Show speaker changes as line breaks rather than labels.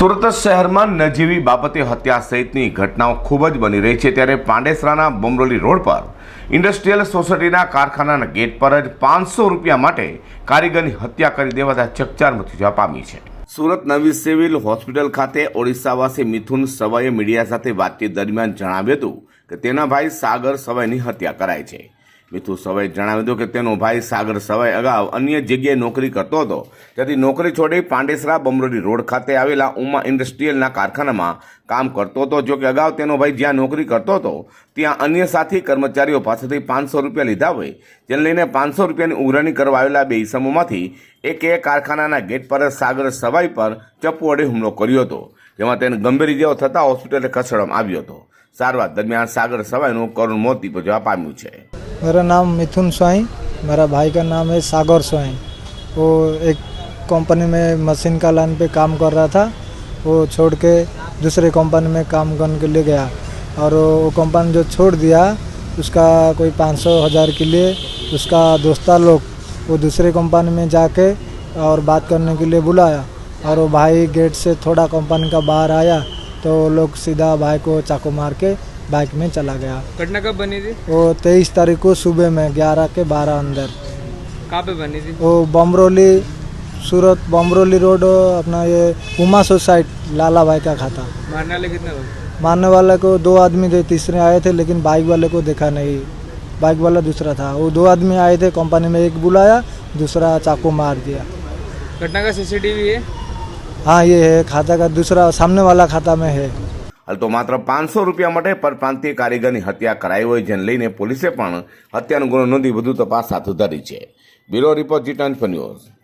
સુરત શહેરમાં નજીવી બાબતે હત્યા સહિતની ઘટનાઓ ખૂબ જ બની રહી છે, ત્યારે પાંડેસરાના બમરોલી રોડ પર ઇન્ડસ્ટ્રીયલ સોસાયટીના કારખાનાના ગેટ પર જ 500 રૂપિયા માટે કારીગરની હત્યા કરી દેવાતા ચકચાર મચી જવા પામી છે। સુરત નવી સિવિલ હોસ્પિટલ ખાતે ઓડિશાવાસી મિથુન સવાઈએ મીડિયા સાથે વાતચીત દરમિયાન જણાવ્યું હતું કે તેના ભાઈ સાગર સવાઈની હત્યા કરાઈ છે। મિથુન સવાઈએ જણાવ્યું હતું કે તેનો ભાઈ સાગર સવાઈ અગાઉ અન્ય જગ્યાએ નોકરી કરતો હતો, તેથી નોકરી છોડી પાંડેસરા બમરોલી રોડ ખાતે આવેલા ઉમા ઇન્ડસ્ટ્રીયલના કારખાનામાં કામ કરતો હતો। જો કે અગાઉ તેનો ભાઈ જ્યાં નોકરી કરતો હતો ત્યાં અન્ય સાથી કર્મચારીઓ પાસેથી 500 રૂપિયા લીધા હોય, જેને લઈને 500 રૂપિયાની ઉઘરાણી કરવા આવેલા બે ઇસમોમાંથી એકે કારખાનાના ગેટ પર સાગર સવાઈ પર ચપ્પુ વડે હુમલો કર્યો હતો, જેમાં તેને ગંભીર ઇજાઓ થતાં હોસ્પિટલે ખસેડવામાં આવ્યો હતો। सारवार दरमियान सागर सवाई करुण मौत निपजवा पाम्યું છે।
मेरा नाम मिथुन स्वाई, मेरा भाई का नाम है सागर स्वाई। वो एक कंपनी में मशीन का लाइन पे काम कर रहा था, वो छोड़ के दूसरे कंपनी में काम करने के लिए गया और वो कंपनी जो छोड़ दिया उसका कोई 500,000 के लिए उसका दोस्ता लोग वो दूसरे कंपनी में जाके और बात करने के लिए बुलाया और वो भाई गेट से थोड़ा कंपनी का बाहर आया तो लोग सीधा भाई को चाकू मार के बाइक में चला गया।
घटना कब बनी थी?
वो 23 तारीख को सुबह में 11 के 12 अंदर।
कहाँ पे बनी थी?
वो बमरोली, सूरत बमरोली रोड अपना ये उमा सोसाइटी लाला भाई का खाता।
मारने वाले कितने लोग?
मारने वाले को 2 आदमी थे, तीसरे आए थे लेकिन बाइक वाले को देखा नहीं, बाइक वाला दूसरा था। वो 2 आदमी आए थे, कंपनी में एक बुलाया, दूसरा चाकू मार दिया।
घटना का सीसीटीवी है?
हाँ ये है, खाता का दूसरा सामने वाला खाता में है।
हाल तो मात्र 500 રૂપિયા માટે પરપ્રાંતીય કારીગરની હત્યા કરાઈ હોય, જેને લઈને પોલીસે પણ હત્યાનો ગુનો નોંધી વધુ તપાસ હાથ ધરી છે। Bureau report G24 news.